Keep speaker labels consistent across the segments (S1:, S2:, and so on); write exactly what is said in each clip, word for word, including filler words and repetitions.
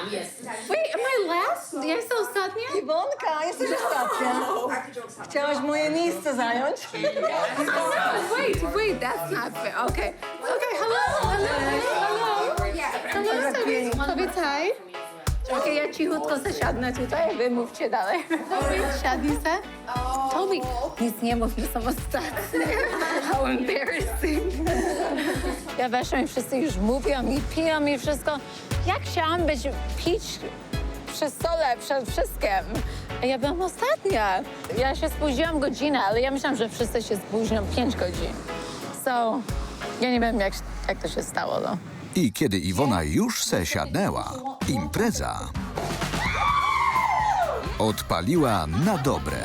S1: Wait, am I last? Ja jestem ostatnia?
S2: Iwonka, jesteś ostatnia. Chciałaś moje miejsce zająć?
S1: Wait, wait, that's not fair. Okay. Okay, hello, hello, hello. Hello, sobie, sobie taj. Okej, ja cichutko zasiadnę tutaj, wy mówcie dalej. Siadnij se. Toby, nic nie mów, że są ostatnie. How embarrassing. Ja weszłam i wszyscy już mówią i piją i wszystko. Ja chciałam być, pić przy stole przed wszystkim. A ja byłam ostatnia. Ja się spóźniłam godzinę, ale ja myślałam, że wszyscy się spóźnią pięć godzin. So, ja nie wiem, jak, jak to się stało, no.
S3: I kiedy Iwona już se siadnęła, impreza odpaliła na dobre.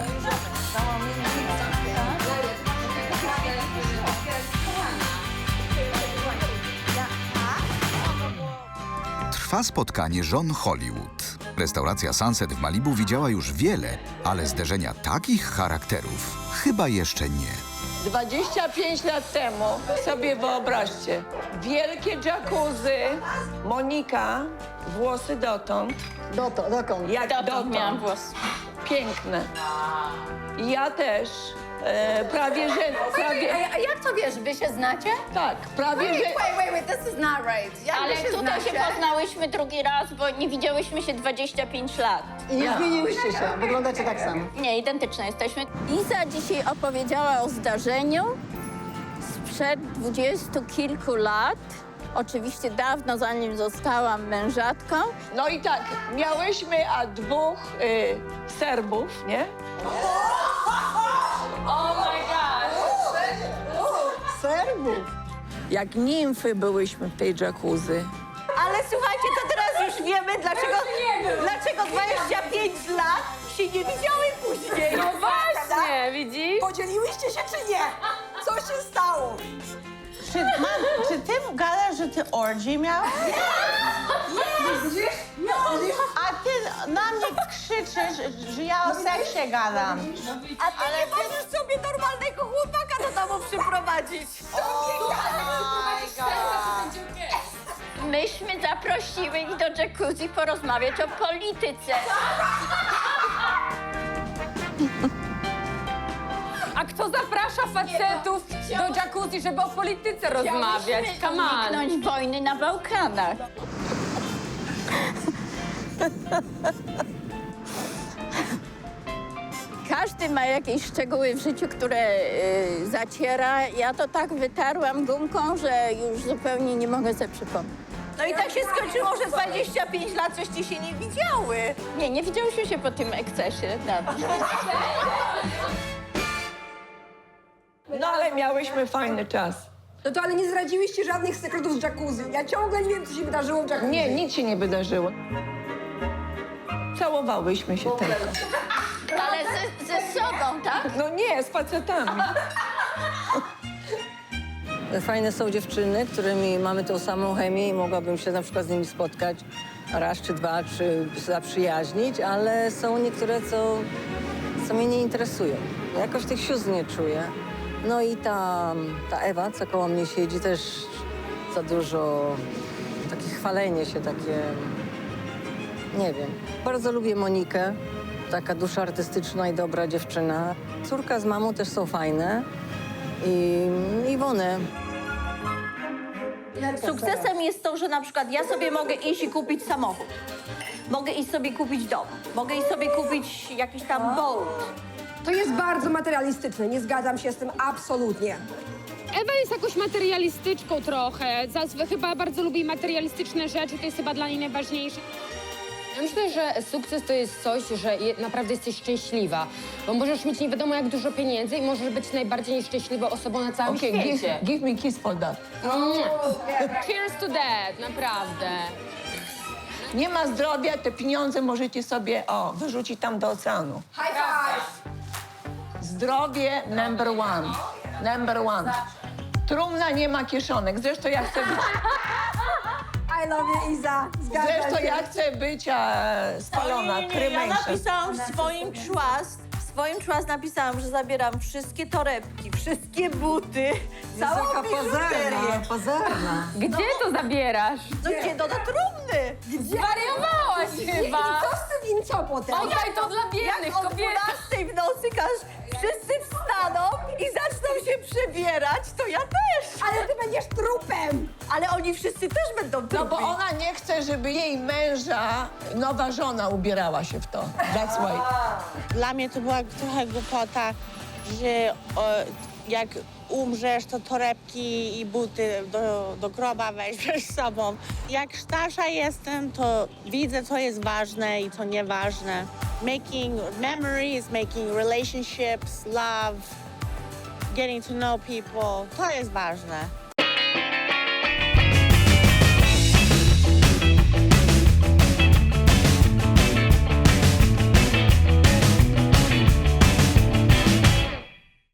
S3: Trwa spotkanie żon Hollywood. Restauracja Sunset w Malibu widziała już wiele, ale zderzenia takich charakterów chyba jeszcze nie.
S4: dwadzieścia pięć lat temu, sobie wyobraźcie, wielkie jacuzzi, Monika, włosy dotąd,
S2: Doto, dokąd?
S4: jak
S1: Dotąd
S4: dotąd,
S1: miałam włosy.
S4: piękne. I ja też, e, prawie że, prawie,
S1: A jak to wiesz, wy się znacie?
S4: tak, prawie że,
S1: Wait, wait, wait, this is not right. Jak
S5: Ale
S1: wy się
S5: tutaj się
S1: znacie?
S5: poznałyśmy drugi raz, bo nie widziałyśmy się dwadzieścia pięć lat.
S2: I nie zmieniłyście się, wyglądacie tak samo.
S5: Nie, identyczne jesteśmy. Iza dzisiaj opowiedziała o zdarzeniu sprzed dwudziestu kilku lat. Oczywiście dawno, zanim zostałam mężatką.
S4: no i tak, miałyśmy a dwóch y, Serbów, nie?
S2: Serbów.
S4: Jak nimfy byłyśmy w tej jacuzzi.
S6: Ale słuchajcie, to teraz już wiemy, dlaczego, dlaczego dwadzieścia pięć lat się nie widziały później.
S1: No właśnie, widzisz?
S6: Podzieliłyście się czy nie? Co się stało?
S7: Czy, mam, czy ty gadasz, że ty orgy miałeś? A ty na mnie krzyczysz, że ja o seksie gadam.
S6: A ty nie możesz sobie normalnego chłopaka do domu przyprowadzić.
S5: Myśmy zaprosiły ich do jacuzzi porozmawiać o polityce.
S1: A kto zaprasza facetów do jacuzzi, żeby o polityce rozmawiać? Come on.
S5: Uniknąć wojny na Bałkanach. Każdy ma jakieś szczegóły w życiu, które y, zaciera. Ja to tak wytarłam gumką, że już zupełnie nie mogę sobie przypomnieć.
S6: No i tak się skończyło, że dwadzieścia pięć lat coście się nie widziały.
S5: Nie, nie widziałyśmy się po tym ekscesie. Dobrze.
S4: No ale miałyśmy fajny czas.
S8: No to ale nie zdradziłyście żadnych sekretów z jacuzzi. Ja ciągle nie wiem, co się wydarzyło w jacuzzi.
S4: Nie, nic się nie wydarzyło. Całowałyśmy się tylko.
S5: Ale ze, ze sobą, tak?
S4: No nie, z facetami.
S2: Fajne są dziewczyny, którymi mamy tą samą chemię i mogłabym się na przykład z nimi spotkać raz czy dwa, czy zaprzyjaźnić, ale są niektóre, co, co mnie nie interesują. Jakoś tych sióstr nie czuję. No i ta, ta Ewa, co koło mnie siedzi, też za dużo takie chwalenie się, takie... Nie wiem. Bardzo lubię Monikę, taka dusza artystyczna i dobra dziewczyna. Córka z mamą też są fajne. I Iwonę.
S6: Sukcesem jest to, że na przykład ja sobie mogę iść i kupić samochód. Mogę iść sobie kupić dom. Mogę iść sobie kupić jakiś tam boat.
S8: To jest bardzo materialistyczne, nie zgadzam się z tym absolutnie.
S9: Ewa jest jakąś materialistyczką trochę. Zazwy chyba bardzo lubi materialistyczne rzeczy, to jest chyba dla niej najważniejsze.
S10: Ja myślę, że sukces to jest coś, że je, naprawdę jesteś szczęśliwa, bo możesz mieć nie wiadomo jak dużo pieniędzy i możesz być najbardziej nieszczęśliwą osobą na całym
S4: Okay, give,
S10: świecie.
S4: give me kiss for that.
S10: Cheers to that, naprawdę.
S4: Nie ma zdrowia, te pieniądze możecie sobie, o, wyrzucić tam do oceanu.
S8: High five!
S4: Zdrowie number one. Number one. Trumna nie ma kieszonek. Zresztą ja chcę być,
S8: I love you, Iza. Zgadzam
S4: zresztą
S8: się.
S4: ja chcę być e, spalona,
S6: Nie, nie, nie. Ja
S4: cremation.
S6: napisałam w swoim trust, w swoim trust napisałam, że zabieram wszystkie torebki, wszystkie buty, całą
S2: Jaka pozerna,
S6: biżuterię.
S2: pozerna.
S1: Gdzie to zabierasz?
S6: No gdzie? No do trumny.
S1: Zwariowałaś
S8: potem.
S10: Oddaj to dla biednych
S6: Jak o
S10: kobiet.
S6: dwunastej w nocy każ, wszyscy wstaną i zaczną się przebierać, to ja też.
S8: Ale ty będziesz trupem.
S6: Ale oni wszyscy też będą
S4: No
S6: trupi.
S4: bo ona nie chce, żeby jej męża, nowa żona ubierała się w to. That's why.
S7: Dla mnie to była trochę głupota, że o, jak umrzesz, to torebki i buty do, do groba weźmiesz z sobą. Jak starsza jestem, to widzę, co jest ważne i co nieważne. Making memories, making relationships, love, getting to know people, to jest ważne.